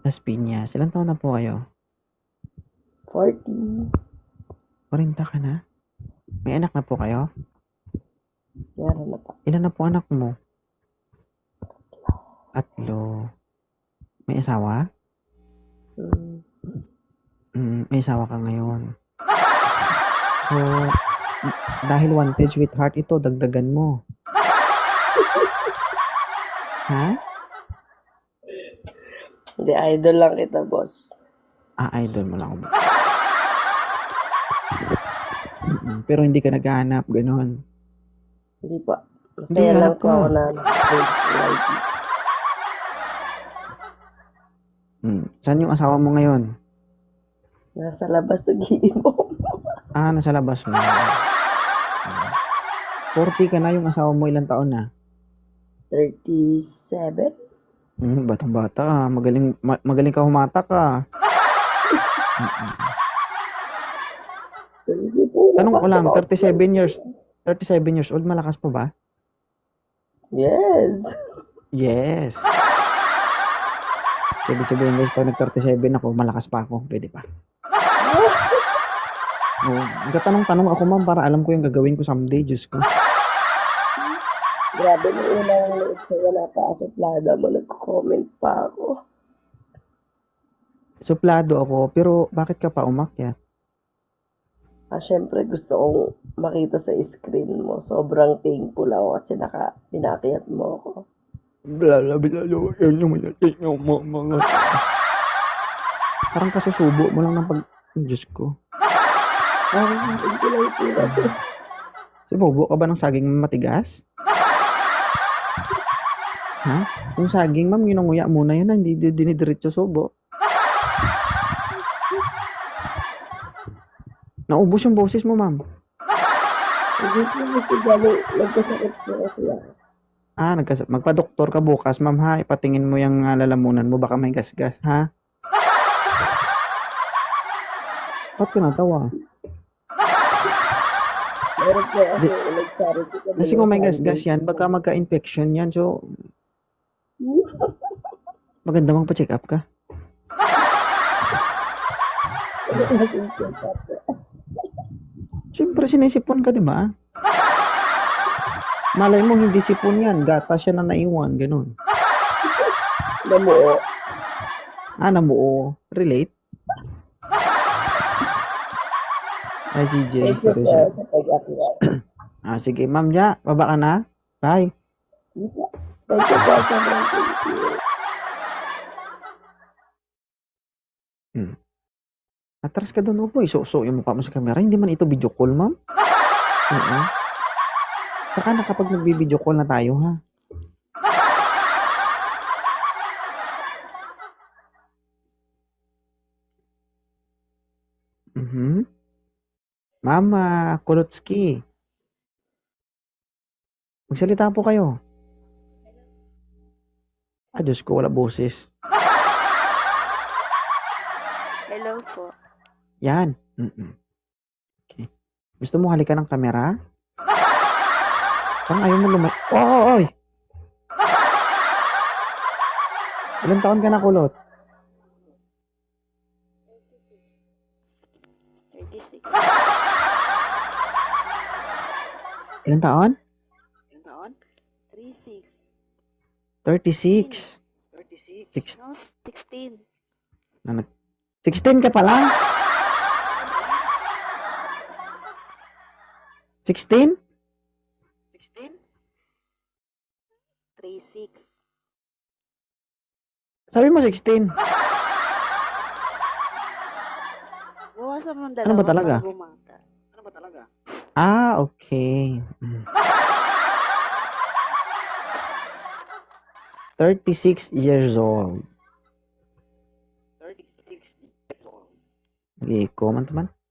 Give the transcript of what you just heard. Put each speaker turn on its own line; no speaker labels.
Las Piñas. Ilang taon na po kayo?
40.
40 ka na? May anak na po kayo?
Meron na pa.
Ilan na po anak mo? 3. May asawa? May asawa ka ngayon. So, dahil wanted sweetheart ito, dagdagan mo. Ha?
Hindi, idol lang kita, boss.
Idol mo lang ako. Pero hindi ka naghahanap, gano'n.
Hindi pa.
Hindi,
Masaya lang
hanap
po
ka.
ako na
Saan yung asawa mo ngayon?
nasa labas nag-iinom.
Nasa labas na. 40 ka na, yung asawa mo ilang taon na?
37?
Batang-bata ka. Magaling ka humatak ka. Tanong ko lang, 37 years old, malakas pa ba?
Yes.
Yes. Sabi guys, pag nag-37 ako, malakas pa ako. Pwede pa. Nagtatanong-tanong ako, ma'am, para alam ko yung gagawin ko someday. Diyos ko.
Grabe, nung unang load sa wala pa sa plada mo, nagko-comment pa ako.
Suplado ako, pero bakit ka pa umakyat?
Syempre gusto kong makita sa screen mo. Sobrang thankful ako kasi pinakiyat mo ako.
Parang kasusubo mo lang ng Diyos ko.
Hindi lang ito kasi.
Sumubo ka ba ng saging matigas? Ha? Yung saging, ma'am, ginunguya muna yun, hindi dinidiretso subo. Naubos yung boses mo, ma'am.
Hindi ko nagsigali. Nagkasakit ko kasi ako.
Magpa-doktor ka bukas, ma'am, ha? Ipatingin mo yung lalamunan mo, baka may gasgas, ha? Ba't ka natawa?
Meron ko kasi nag-charity ka.
Kasi kung may gasgas yan, baka magka-infection yan, so maganda magpa-check up ka. Siyempre, sinisipon ka, di ba? Malay mo, hindi sipon yan. Gatas siya na naiwan, ganun.
Namuo.
Namuo. Relate? Ay, CJ.
Thank you po sa pag-akyat.
Sige, ma'am, ja. Baba ka na. Bye.
Thank you po. Sobrang thank you.
Atras ka doon, po. Isuso yung mukha mo sa camera. Hindi man ito video call, ma'am. Saka na kapag nagbi-video call na tayo, ha? Mama Kolotsky. Magsalita po kayo. Diyos ko, wala boses.
Hello po.
Yan. Okay. Gusto mo halikan ng kamera? Parang ayaw mo lumay... Oy! Ilang taon ka na, Kulot?
36.
Ilang taon?
36.
36.
36. No, 16.
16 ka pa lang? 16?
36.
Sabi mo 16.
Bawasan mo ng
Ano ba
dalawa
talaga?
para bumata.
Okay. 36 years old. Okay, comment man.